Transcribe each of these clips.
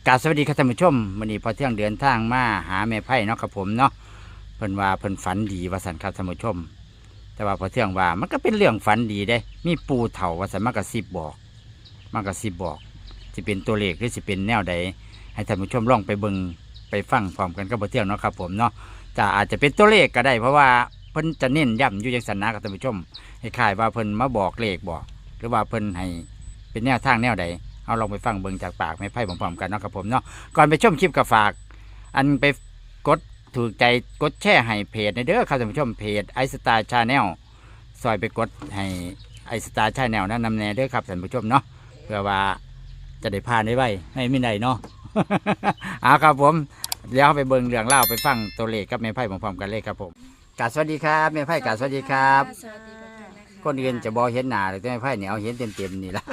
กราบสวัสดีครับท่านผู้ชมวันนี้พอเที่ยงเดินทางมาหาแม่ไพ่เนาะครับผมเนาะเพิ่นว่าเพิ่นฝันดีว่าสันครับท่านผู้ชมแต่ว่าพอเที่ยงว่ามันก็เป็นเรื่องฝันดีเด้มีปูเถ่าว่าสันมากระซิบบอกมากระซิบบอกจะเป็นตัวเลขหรือจะเป็นแนวใดให้ท่านผู้ชมลองไปเบิ่งไปฟังพร้อมกันกับพอเที่ยงเนาะครับผมเนาะจะอาจจะเป็นตัวเลขก็ได้เพราะว่าเพิ่นจะเน้นย้ำอยู่อย่างสันนะครับท่านผู้ชมให้คล้ายว่าเพิ่นมาบอกเลขบอกหรือว่าเพิ่นให้เป็นแนวทางแนวใดเอาลองไปฟังเบิ่งจากปากแม่ไพ่พร้อมๆกันเนาะครับผมเนาะก่อนไปชมคลิปก็ฝากอันไปกดถูกใจกดแชร์ให้เพจในเด้อครับท่านผู้ชมเพจไอสตาร์ชาแนลซอยไปกดให้ไอสตาร์ชาแนลนั้นนำแน่เด้อครับท่านผู้ชมเนาะเพื่อว่าจะได้ผ่านได้ไวให้ไม่ได้เนาะ เอาครับผมเดี๋ยวไปเบิ่งเรื่องเล่าไปฟังตัวเลขกับแม่ไพ่พร้อมๆกันเลยครับผมกราบสวัสดีครับแม่ไพ่กราบสวัสดีครับสวัสดีค่ะคนอื่นจะบอเห็นหน้าเลยแต่แม่ไพ่เนี่ยเอาเห็นเต็มๆนี่ละ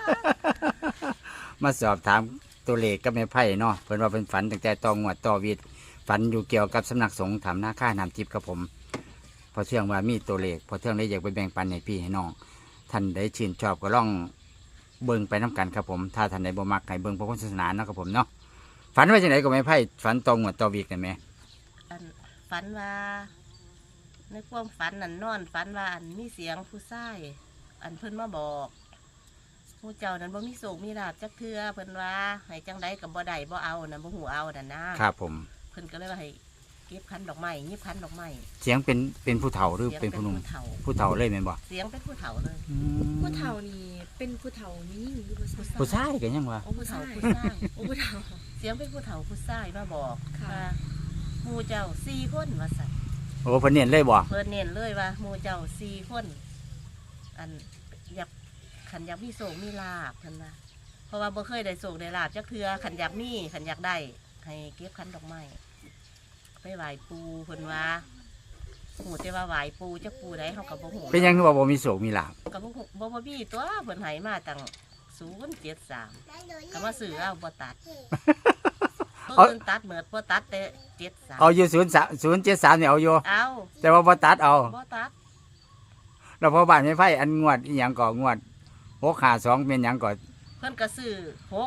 มาสอบถามตัวเลขกับแม่ไพ่เนาะเพิ่นว่าเป็นฝันตั้งแต่ตองวดต่อวิดฝันอยู่เกี่ยวกับสำนักสงฆ์ถามหน้าค่าน้ำทิพย์ครับผมพอเที่ยงว่ามีตัวเลขพอเที่ยงได้อยากไปแบ่งปันให้พี่ให้น้องท่านได้ชื่นชอบก็ล่องเบิ่งไปน้กันครับผมถ้าท่านใดบ่มักให้เบิ่งพระพุทธศาสนาเนาะครับผมเนาะฝันว่าจังไดก็แม่ไพ่ฝันตองวดต่อวิดกันไหมฝันว่าในความฝันนั่นนอนฝันว่ามีเสียงผู้ชายเพิ่นมาบอกผู้เจ้านั้นบ่มีโศกมีลาภจักเทื่อเพิ่นว่าให้จังไดกับบ่ได้บ่เอานั่นบ่หูเอานั่นนะครับผมเพิ่นก็เลยว่าให้เก็บคันดอกไม้ยิบคันดอกไม้เสียงเป็นผู้เฒ่าหรือเป็นผู้หนุ่มผู้เฒ่าเลยแม่นบ่เสียงเป็นผู้เฒ่าเลยผู้เฒ่านี่เป็นผู้เฒ่านี่ยิ่งหรือผู้ชายผู้ชายกันยังวะโอ้ผู้ชายผู้ชายโอ้ผู้เฒ่าเสียงเป็นผู้เฒ่าผู้ชายมาบอกค่ะว่าหมู่เจ้า4คนว่าซั่นโอ้เพิ่นเน้นเลยบ่เพิ่นเน้นเลยว่าหมู่เจ้า4คนอยากขันอยากมีโศกมีลาบเพิ่นนะเพราะว่าบ่เคยได้โศกได้ลาบจักเทื่อขันอยากมีขันอยากได้ให้เก็บคันดอกไม้ไปไหว้ปูเพิ่นว่าหูแต่ว่าไหว้ปูจักปูใดเฮาก็บ่ฮู้เป็นยังคือว่าบ่มีโศกมีลาภก็บ่ฮู้บ่มีตัวเพิ่นให้มาตั้ง073ก็มาซื้อเอาบ่ตัดเพิ่นตัดเหมือนบ่ตัดแต่73 เอาอยู่073เนี่ยเอาอยู่เอาแต่ว่าบ่ตัดเอาบ่ตัดแล้วพอบ้านไม่ไผอันงวดอีหยังก็งวด652เป็นหยังก็เพิ่นก็ซื้อ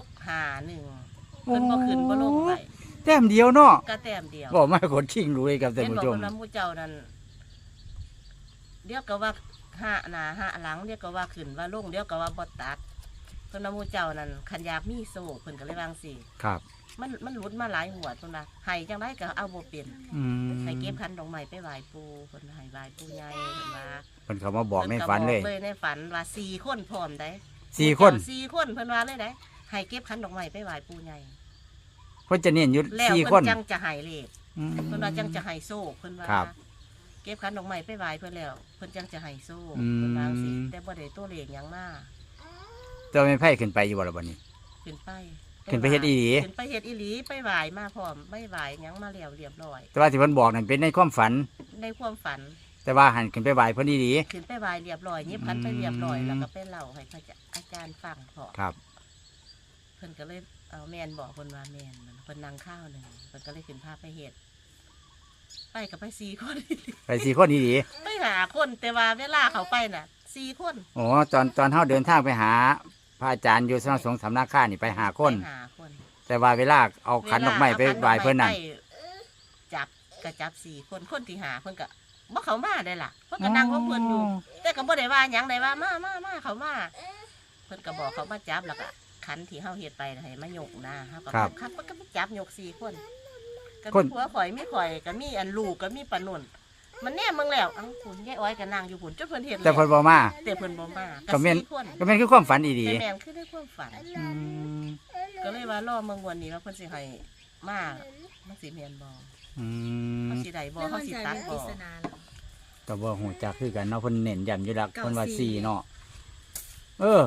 651เพิ่นบ่ขึ้นบ่ลงไปแต้มเดียวเนาะก็แต้มเดียวบ่มาคนชิงรู้เลยครับท่านเห็นผู้บอกชมคนว่าหมู่เจ้านั่นเดี๋ยวก็ว่าห้าหน้าห้าหลังเดี๋ยวก็ว่าขึ้นว่าลงเดี๋ยวก็ว่าบ่ตัดเพิ่นว่าหมู่เจ้านั่นคันอยากมีโซ่เพิ่นก็เลยวาจั่งสิครับมันหลุดมาหลายหัวเพิ่นว่าให้จังไดก็เอาบ่เป็นอืมให้เก็บคันดอกไม้ไปไหว้ปู่เพิ่นให้ไหว้ปู่ใหญ่เพิ่นว่าเพิ่นเขามาบอกในฝันเลยพิ่ก็บอกในฝันว่า4คนพร้อมได้ 4คน 4คนเพิ่นว่าเลยได้ให้เก็บคันดอกไม้ไปไหว้ปู่ใหญ่เพิ่นจะเน้นอยู่แล้ว 4คเพิ่นนจังจะให้เลขอืมเพิ่นว่าจังจะให้โซ่เพิ่นว่าครับเก็บคันดอกไม้ไปไหว้เพิ่นแล้วเพิ่นจังจะให้โซ่อืมเพิ่นว่าจั่งซี้แต่บ่ได้ตัวเลขหยังมาเจ้าไม่ไผขึ้นไปอยู่บ่ล่ะบัดนี้ขึ้นไปขึ้นไปเฮ็ดอีหลีขึ้นไปเฮ็ดอีหลีไปไหว้มาพร้อมไม่ไหว้หยังมาแล้วเรียบร้อยแต่ว่าที่เพิ่นบอกนั่นเป็นในความฝันในความฝันแต่ว่าหันขึ้นไปไหว้เพิ่นดีขึ้นไปไหว้เรียบร้อยยิบคันไปเรียบร้อยอืมแล้วก็ไปเล่าให้พระอาจารย์ฟังพอๆครับเพิ่นก็เลยเอาแม่นบอกเพิ่นว่าแม่นมันเพิ่นนั่งข้าวหนึงเพิ่นก็เลยขึ้นพาไปเฮ็ดไปกับไป4คนไป4คนดีไปหาคนแต่ว่าเวลาเขาไปน่ะ4คนๆโอ้ตอนเฮาเดินทางไปหาพระอาจารย์อยู่สำนักสงฆ์สำนักข้านี่ไปหาคนไปหาคนแต่ว่าเวลาเอาขันดอกไม้ไปไหว้เพิ่นนั่นจับก็จับ4 คนที่หาเพิ่นก็บ่เขามาได้ล่ะเพิ่นก็นั่งของเพิ่นอยู่แต่ก็บ่ได้ว่าหยังได้ว่ามาเขามาเพิ่นก็บอกเขามาจับแล้วก็ขันที่เฮาเฮ็ดไปน่ะให้มายกนะเฮาก็ครับเพิ่นก็ไปจับยก4 คนก็มีผัวข่อยมีข่อยก็มีอันลูกก็มีปานนุ่นมันแน่มึงแล้วเอ้าคุณยายอ้อยก็นั่งอยู่พุ่นจนเพิ่นเฮ็ดแต่เพิ่นบ่มาแต่เพิ่นบ่มาก็แม่น 4 คนก็แม่นคือความฝันดีแต่แม่นคือได้ความฝันๆอืมก็เลยว่ารอเมืองวันนี้ว่าเพิ่นสิให้มามันสิแม่นบ่อืมเขาสิได้บ่ไม่เขามั่นสิใจตัดเรื่องปบ่ริศนาแล้วก็บ่ฮู้จักคือกันเนาะเพิ่นเน้นย้ำอยู่แล้วเก้าเพิ่นว่าสี่ 4เนาะเออ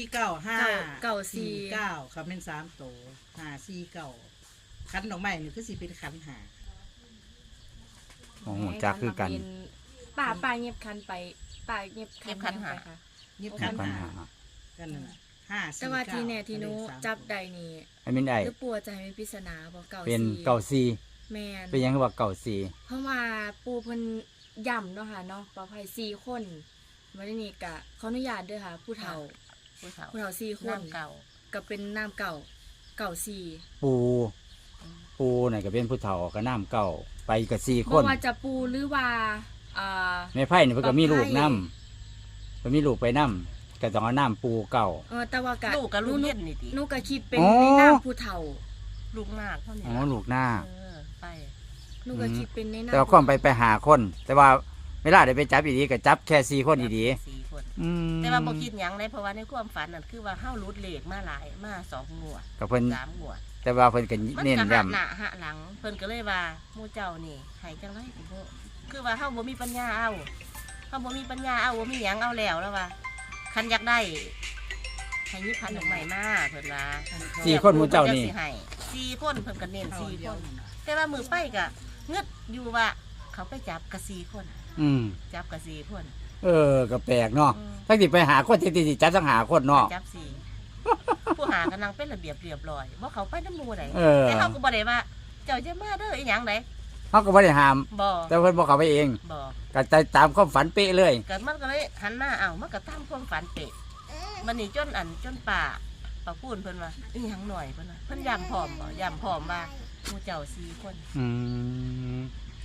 495 เก้าสี่ 49ครับเป็น3โต549คันดอกไม้นี่คือสิเป็นคันหาบ่ฮู้จักคือกันป่าเงียบคันไปป่าเงียบคันไปค่ะยิบปัคันญหาหากันนั่นน่ะ549 แต่ว่าทีแน่ทีโนจับใดนี่ไอ้มินได้หรือปัวจะให้เป็นปริศนาบอกเก่าเป็นสี่เก่าซีแมนเป็นหยังคือว่าเก่าซีเพราะว่าปูเพิ่นย่ำเนาะค่ะเนาะปลอดภัย4 คนวันนี้กะขออนุญาตด้วยค่ะ ผู้เฒ่าผู้เฒ่าผู้เฒ่า4 คนน้ำเก่าก็เป็นน้ำเก่าเก่าสี่ปูน่ะก็เป็นผู้เฒ่าก็น้ำเก่าไปกับ4 คบ่นว่าจะปูหรือว่าแม่ไผ่นี่เพิ่นก็มีลูกนํเพิ่นมีลูกไปนํก็ต้องเอาน้ำปูเก่าแต่ว่าก็ลูกกับลูกเย็นนี่ติหนูก็คิดเป็นอ๋อในนามผู้เฒ่าลูกนาคเท่านี้อ๋อลูกหน้าไปหนูก็คิดเป็นในนามแต่ว่าความไปหาคน แต่ว่าเวลาได้ไปจับอีดีก็จับแค่4 คนอีดี 4 คนอืมแต่ว่าบ่คิดหยังเลยเพราะว่าในความฝันนั่นคือว่าเฮารุดเลขมาหลายมา2 งวดก็เพิ่น 3 งวดแต่ว่าเพิ่นก็มันเน้นก็ย้หะหน้าหะหลังเพิ่นก็เลยว่าหมู่เจ้านี่ให้จังไดก็บ่คือว่าเฮาบ่มีปัญญาเอาเฮาบ่มีปัญญาเอาบ่มีหยังเอาแล้วว่าคันอยากได้ให้ยิบพันดอกไม้มาเพิ่นว่าำ4 คนหมู่เจ้านี่พิ่จะสิให้4 คนเพิ่นก็เน้น4 คน แต่ว่ามือไปก็งึดอยู่ว่าเขาไปจับกะ4 คนอืมจับกะ4 คนก็แปลกเนาะอืมทั้งที่ไปหาคนที่สิจับทั้งหาคนเนาะจับ4ผู้หากำลังเป็นระเบียบเรียบร้อยบ่เขาไปน้ำหมู่ใดเออแต่เขาก็บ่ได้ว่า เจ้าจะมาเด้ออีหยังใดเขาก็บ่ได้ห้ามบ่แต่เพิ่นบอกเขาไปเองบ่ก็ตามความฝันเป๊ะเลยก็มันก็เลยหันมาเอ้ามันก็ตามความฝันเป๊ะมันนี่จนป่าพูนเพิ่นว่าอีหยังหน่อยเพิ่นว่าเพิ่นย้ำพร้อมบ่ย้ำพร้อมว่าหมู่เจ้า4 คนอืม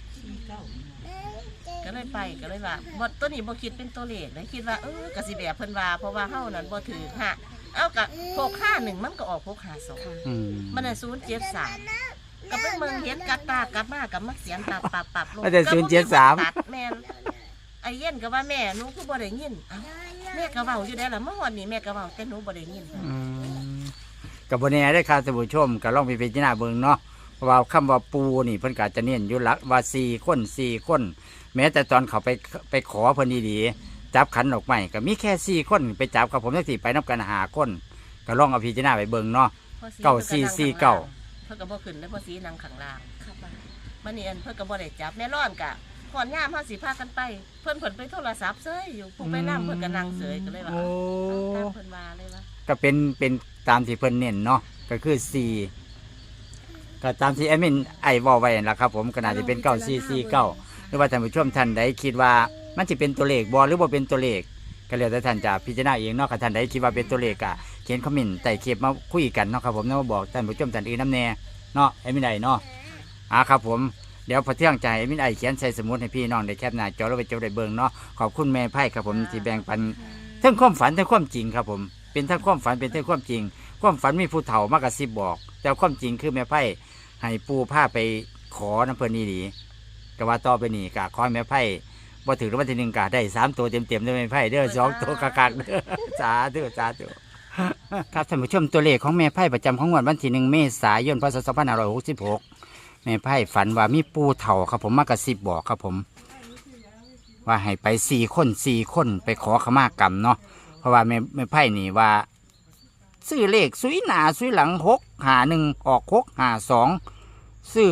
ก็เลยไปก็เลยว่าบ่ตัวนี้บ่คิดเป็นตัวเลขเลยคิดว่าก็สิแบบเพิ่นว่าเพราะว่าเฮานั่นบ่ถือฮะเอากะ651มันก็ออก652 อืมมันน่ะ073ก็เป็นเมืองเฮ็ดกัดตากลับมากับมักเสียงปับลงมันจะก็บ่มีคน 073 ตัดแม่นไอ้เย็นก็ว่าแม่หนูคือบ่ได้ยินเอ้าแม่ก็เว้าอยู่ได้ล่ะเมื่อวันนี้แม่ก็เว้าแต่หนูบ่ได้ยินกับบนแน่ได้ครับท่านผู้ชมก็ลองไปพิจารณาเบิ่งเนาะเพราะว่าคำว่าปูนี่เพิ่นก็จะเน้นอยู่หลักว่า4 คน แม้แต่ตอนเขาไปขอเพิ่นดีๆจับขันดอกไม้ก็มีแค่4 คนไปจับครับผมจังสิไปนับกัน5 คนก็ลองเอาพิจารณาไปเบิ่งเนาะ เก้า4 4 9 เพิ่นก็บ่ขึ้นได้อเพราะสีนั่งข้างล่างครับมันนี่อันเพิ่นก็บ่ได้จับแม่ร้อนกะก่อนยามเฮาสิพากันไป เพิ่นไปโทรศัพท์เซยอยู่ผู้ไปนำเพิ่นก็นั่งเสยก็เลยว่าโอ้ตามเพิ่นว่าเลยว่าก็เป็นตามที่เพิ่นเน้นเนาะก็คือ4ก็ตามที่แอดมินไอ้เว้าไว้นั่นล่ะครับผมก็น่าจะเป็น9449หรือว่าท่านผู้ชมท่านใดคิดว่ามันสิเป็นตัวเลขบ่หรือบ่เป็นตัวเลขก็แล้วแต่ท่านจะพิจารณาเองเนาะถ้าท่านใดคิดว่าเป็นตัวเลขก็เขียนคอมเมนต์ใต้คลิปมาคุยกันเนาะครับผมเนาะมาบอกท่านผู้ชมท่านอื่นนำแน่เนาะแอดมินไอ้เนาะครับผมเดี๋ยวพอเที่ยงใจแอดมินไอ้เขียนใส่สมุดให้พี่น้องได้แคปหน้าจอแล้วไปจดได้เบิ่งเนาะขอบคุณแม่ไพ่ครับผมที่แบ่งปันทั้งความฝันทั้งความจริงครับผมเป็นทั้งความฝันเป็นทั้งความจริง ความฝันมีผู้เฒ่ามากระซิบบอก แต่ความจริงคือแม่ไพ่ให้ปูผ้าไปขอน้ำเพลินนี่ดีก็ว่าต่อไปนี่กะขอให้แม่ไพ่บ่ถึงรางวัลที่1กะได้3 ตัวเต็มๆด้วยแม่ไพ่เด้อ2 ตัวกักๆเด้อสาธุสาธุครับท่านผู้ชมตัวเลขของแม่ไพ่ประจำของวันที่1 เมษายน พศ 2566แม่ไพ่ฝันว่ามีปูเฒ่าครับผมมากระซิบบอกครับผม ว่าให้ไป4 คนไปขอขมากรรมเนาะเพราะว่าแม่ไพ่นี่ว่า ซื้อเลขสุยหนาสุยหลัง651ออก652ซื้อ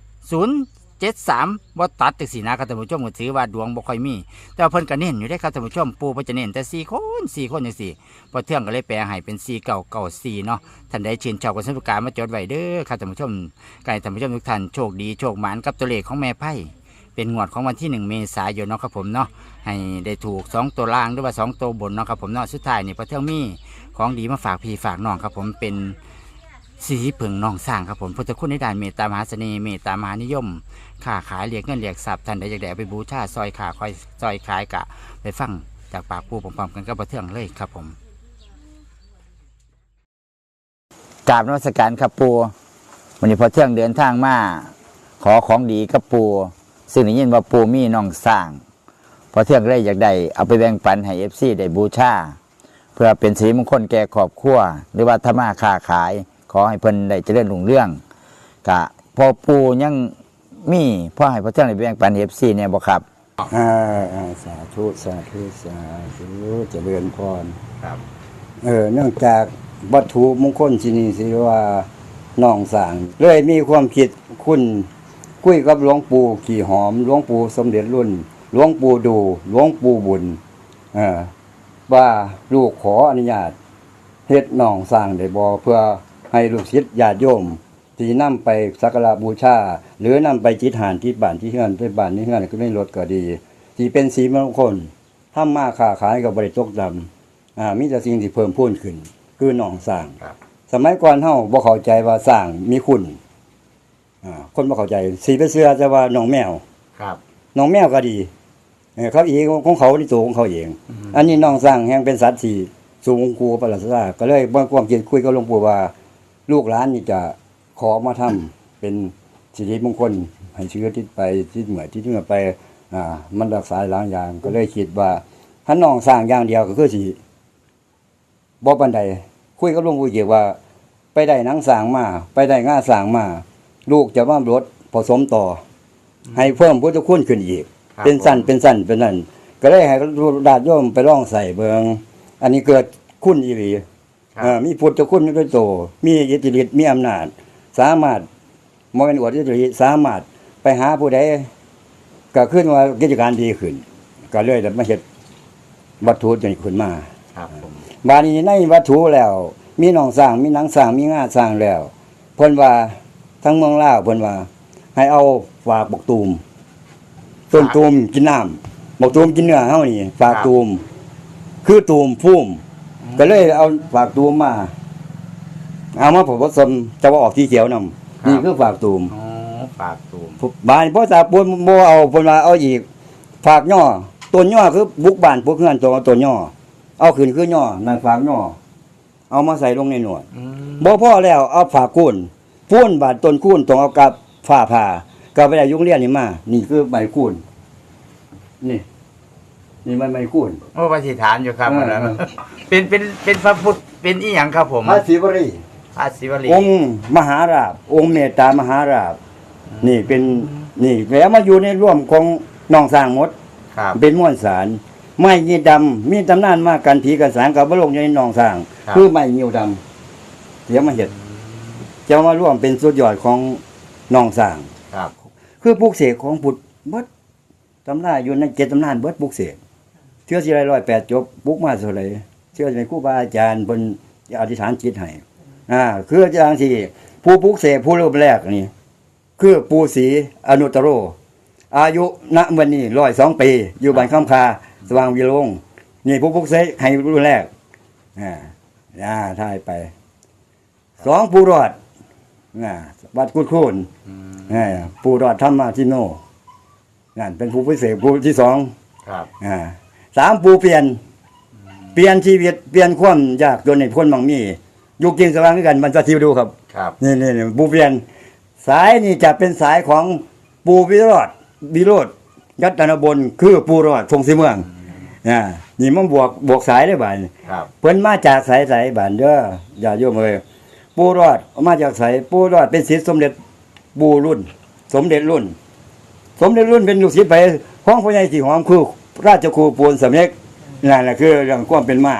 073บ่ตัดจังซี่นะครับท่านผู้ชมก็ถือว่าดวงบ่ค่อยมีแต่ว่าเพิ่นก็เน้นอยู่ได้ครับท่านผู้ชมปู่เพิ่นจะเน้นแต่4 คนจังซี่พอเที่ยงก็เลยแปลให้เป็น4994เนาะท่านใดชื่นชอบก็สนุกการมาจดไว้เด้อครับท่านผู้ชมก็ให้ท่านผู้ชมทุกท่านโชคดีโชคหมานกับตัวเลขของแม่ไพ่เป็นงวดของวันที่1 เมษายนเนาะครับผมเนาะให้ได้ถูก2 ตัวล่างหรือว่า2 ตัวบนเนาะครับผมเนาะสุดท้ายนี่พอเที่ยงมีของดีมาฝากพี่ฝากน้องครับผมเป็นสีผึ่งน้องสร้างครับผมพุทธคุณในด้านเมตตามหาเสน่ห์เมตตามหานิยมค้าขายเรียกเงินเรียกทรัพย์ท่านใดอยากได้เอาไปบูชาซอยขาคอยซอยขายกะไปฟังจากปากปูพร้อมๆกันกับพอเที่ยงเลยครับผมกราบนมัสการครับปูวันนี้พอเที่ยงเดินทางมาขอของดีกับปูซึ่งได้ยินว่าปูมีน้องสร้างพอเที่ยงเลยอยากได้เอาไปแบ่งปันให้FCได้บูชาเพื่อเป็นสิริมงคลแก่ครอบครัวหรือว่าธรรมะค้าขายขอให้เพิ่นได้เจริญรุ่งเรืองกะพอปูยังมีพ่อให้พอเที่ยงได้แบ่งปัน FC เนี่ยบ่ครับสาธุสาธุสาธุเจริญพรครับเนื่องจากวัตถุมงคลที่นี่สิว่าน้องสร้างเลยมีความคิดคุณคุยกับหลวงปู่ขี่หอมหลวงปู่สมเด็จรุ่นหลวงปู่ดูหลวงปู่บุญว่าลูกขออนุญาตเฮ็ดน้องสร้างได้บ่เพื่อให้ลูกศิษย์ญาติโยมที่นำไปสักการะบูชาหรือนำไปจิตหานที่บ้านที่เฮือนไปบ้านที่เฮือนก็ไม่ลดก็ดีที่เป็นสีมงคลทำมาค้าขายก็บ่ได้ตกต่ำมีแต่สิ่งที่เพิ่มพูนขึ้นคือน้องสร้างสมัยก่อนเฮาบ่เข้าใจว่าสร้างมีคุณคนบ่เข้าใจสิไปเชื่อแต่ว่าน้องแมวครับน้องแมวก็ดีเขาเองของเขาในตัวของเขาเอง อันนี้น้องสร้างแห่งเป็นสัตว์ที่สูงกูประหลาดซาก็เลยบ่ความคิดคุยกับหลวงปู่ว่า ลูกหลานนี่จะขอมาทำเป็นสิริมงคลให้ชีวิตติดไปติดเหมือติดเหงื่อไปมันรักษาหลายอย่างก็เลยคิดว่าถ้าน้องสร้างอย่างเดียวก็คือสิบ่ปานใดคุยกับหลวงปู่เกี่ยวว่า ไปได้หนังสร้างมาไปได้งาสร้างมาลูกจะมาลดผสมต่อ ให้เพิ่มพุทธคุณขึ้นอีกครับเป็นสั้นเป็นนั่นก็เลยให้ญาติโยมไปลองใส่เบิงอันนี้เกิดคุณอีหลีครับมีพุทธคุณด้วยโตมีอิทธิฤทธิ์มีอำนาจสามารถบ่แม่นอวดอิทธิฤทธิ์สามารถไปหาผู้ใดก็ขึ้นว่ากิจการดีขึ้น ก็เลยได้มาเฮ็ดวัตถุนี้ขึ้นมาครับผมบาดนี้ในวัตถุแล้ว มีหนองสร้างมีหนังสร้างมีงาสร้างแล้วเพิ่นว่าทั้งเมืองลาวเพิ่นว่า ให้เอาฝากบักตูมต้นตูมกินน้ำบักตูมกินเนื้อเฮานี่ฝากตูมคือตูมพุ่มก็เลยเอาฝากตูมมาเอามาผสมจะว่าออกสีเขียวนำนี่คือฝากตูมอ๋อฝากตูมบ้านพ่อตาปูนบ่เอาเพิ่นว่าเอาอีกฝากย่อต้นย่อคือบุกบ้านพวกเฮือนตัวต้นย่อเอาขึ้นคือย่อนั่นฝากย่อเอามาใส่ลงในหนวด บ่พอแล้วเอาฝากกุ้นปูนบาดต้นกุ้นต้องเอากับฝ้าผ่าก็ไปได้ยุงเรียนนี่มานี่คือใบกุ้นนี่มันใบกุ้นโอ้ปฏิฐานอยู่ครับเอออันนั้นเป็นพระพุทธเป็นอีหยังครับผมพระศิวรีพระศิวลีองค์มหาราชองค์เมตตามหาราชนี่เป็นนี่แล้วมาอยู่ในร่วมของน้องสร้างหมดครับเป็นม้วนสารไม้ยีดำมีตำนานมากันผีกันสางกับบ่ลงอยู่ในน้องสร้างครับคือไม้ยิวดำเดี๋ยวมาเฮ็ดจะมาร่วมเป็นสุดยอดของน้องสร้างครับคือปลูกเสกของพุทธเบิดตำราอยู่ใน7ตำนานเบิดปลูกเสกเชื่อสิได้108จบปลูกมาเท่าไหร่เชื่อในครูบาอาจารย์เพิ่นอธิษฐานจิตให้คืออย่างที่ผู้ปลูกเสกผู้เริ่มแรกนี่คือปู่ศรีอนุตตโร อายุณวันนี้102 ปี อยู่บ้านคำคาสว่างวิโรงนี่ผู้ปลูกเสกให้รุ่นแรกถ่ายไป2ผู้รอดวัดกุดโคนปู่รอดธรรมทิโนนั่นเป็นผู้พิเศษผู้ที่2 ครับ 3ปู่เปลี่ยนชีวิตเปลี่ยนความยากจนให้พ้นบางมีอยู่กินสว่างด้วยกันมันจะทิวดูครับครับนี่ปู่เปลี่ยนสายนี่จะเป็นสายของปู่วิโรจน์ยัตนบลคือปู่รอดทงสีเมืองนี่มันบวกสายได้บ่าดครับเพิ่นมาจากสายบ้านเด้ออย่าโยมเอ้ยปู่รอดมาจากสายปู่รอดเป็นศิษย์สมเด็จปู่รุ่น สมเด็จรุ่นเป็นลูกศิษย์ไปของพ่อใหญ่สีหอมคือราชครูปูนสำเร็จนั่นแหละคือเรื่องความเป็นมา